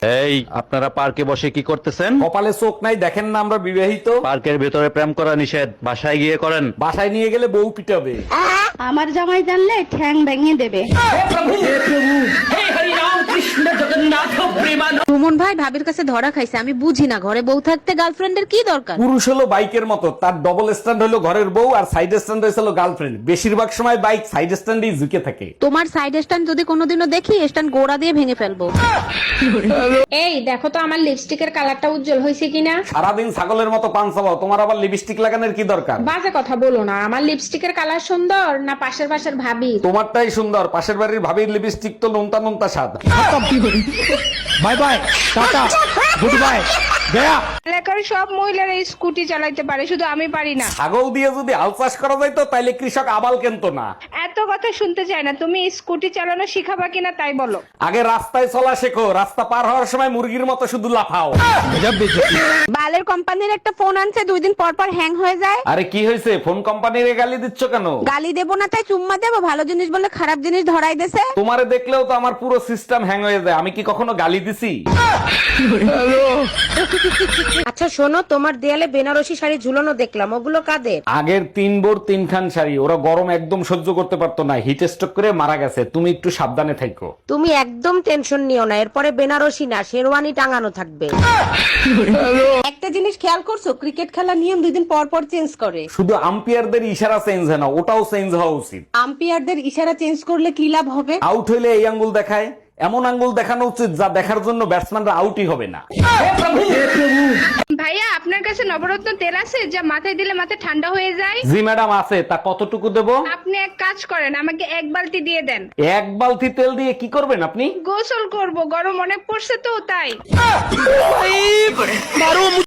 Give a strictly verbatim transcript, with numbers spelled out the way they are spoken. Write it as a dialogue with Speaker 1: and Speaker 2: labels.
Speaker 1: এই আপনারা পার্কে বসে কি করতেছেন?
Speaker 2: কপালে চোখ নাই, দেখেন না আমরা বিবাহিত।
Speaker 1: পার্কের ভেতরে প্রেম করা নিষেধ, বাসায় গিয়ে করেন।
Speaker 2: বাসায় নিয়ে গেলে বউ পিটাবে।
Speaker 3: আমার জামাই জানলে ঠ্যাং ভেঙে দেবে।
Speaker 4: সুমন ভাই ভাবির কাছে ধরা খাইছে, আমি বুঝি না ঘরে বউ থাকতে গার্লফ্রেন্ডের কি দরকার।
Speaker 2: পুরুষ হলো বাইকের মতো, তার ডবল স্ট্যান্ড হলো ঘরের বউ আর সাইড স্ট্যান্ড হয়েছিল গার্লফ্রেন্ড। বেশিরভাগ সময় বাইক সাইড স্ট্যান্ডেই ঝুঁকে থাকে।
Speaker 4: তোমার সাইড স্ট্যান্ড যদি কোনোদিনও দেখি, স্ট্যান্ড গোড়া দিয়ে ভেঙে ফেলবো।
Speaker 5: এই দেখো তো আমার লিপস্টিকের কালারটা উজ্জ্বল হয়েছে কিনা।
Speaker 2: সারাদিন ছাগলের মতো পান চাবাও, তোমার আবার লিপস্টিক লাগানোর কি দরকার?
Speaker 5: বাজে কথা বলো না, আমার লিপস্টিকের কালার সুন্দর না পাশের পাশের ভাবি?
Speaker 2: তোমারটাই সুন্দর, পাশের বাড়ির ভাবির লিপস্টিক তো নুনতা নুনতা স্বাদ।
Speaker 6: Bye bye, tata, good bye, গয়া।
Speaker 7: এলাকার সব মহিলারা স্কুটি চালাইতে পারে, শুধু আমি পারি না।
Speaker 2: ছাগল দিয়ে যদি হাল চাষ করা যাইতো তাইলে কৃষক আবাল কেনতো না।
Speaker 7: এত কথা শুনতে চাই না, তুমি স্কুটি চালানো শিখাবা কিনা তাই বলো।
Speaker 2: আগে রাস্তায় চলা শেখো, রাস্তা পার হওয়ার সময় মুরগির মতো শুধু লাফাও।
Speaker 4: বালের কোম্পানির একটা ফোন আনছে, দুই দিন পর পর হ্যাং হয়ে যায়।
Speaker 2: আরে কি হয়েছে, ফোন কোম্পানির গালি দিচ্ছ কেন?
Speaker 4: গালি দেবো না তাই চুম্মা দেবো, ভালো জিনিস বলে খারাপ জিনিস ধরাই দেছে।
Speaker 2: তোমারে দেখলেও তো আমার পুরো সিস্টেম হ্যাং হয়ে যায়, আমি কি কখনো গালি দিছি?
Speaker 8: আচ্ছা শোনো, তোমার দেয়ালে বেনারসি শাড়ি ঝুলানো দেখলাম, ওগুলো কাদের?
Speaker 2: আগের তিন বোর তিনখান শাড়ি, ওরা গরম একদম সহ্য করতে পারতো না, হিট স্ট্রোক করে মারা গেছে। তুমি একটু সাবধানে থাকো।
Speaker 8: তুমি একদম টেনশন নিও না, এরপরে বেনারসি না শেরওয়ানি টাঙানো থাকবে। একটা জিনিস খেয়াল করছো, ক্রিকেট খেলার নিয়ম দুই দিন পর পর চেঞ্জ করে।
Speaker 2: শুধু আম্পায়ারদের ইশারা চেঞ্জ হয় না, ওটাও চেঞ্জ হওয়া উচিত।
Speaker 8: আম্পায়ারদের ইশারা চেঞ্জ করলে কি লাভ হবে?
Speaker 2: আউট হইলে এই আঙ্গুল দেখায়, এমন আঙ্গুল দেখানো উচিত যা দেখার জন্য ব্যাটসম্যানরা আউটই হবে না।
Speaker 7: ভাইয়া, আপনার কাছে নবরত্ন তেল আছে যা মাথায় দিলে মাথা ঠান্ডা হয়ে যায়?
Speaker 2: জি ম্যাডাম আছে, তা কতটুকু দেব?
Speaker 7: আপনি এক কাজ করেন, আমাকে এক বালতি দিয়ে দেন।
Speaker 2: এক বালতি তেল দিয়ে কি করবেন আপনি?
Speaker 7: গোসল করব, গরম অনেক পড়ছে তো তাই।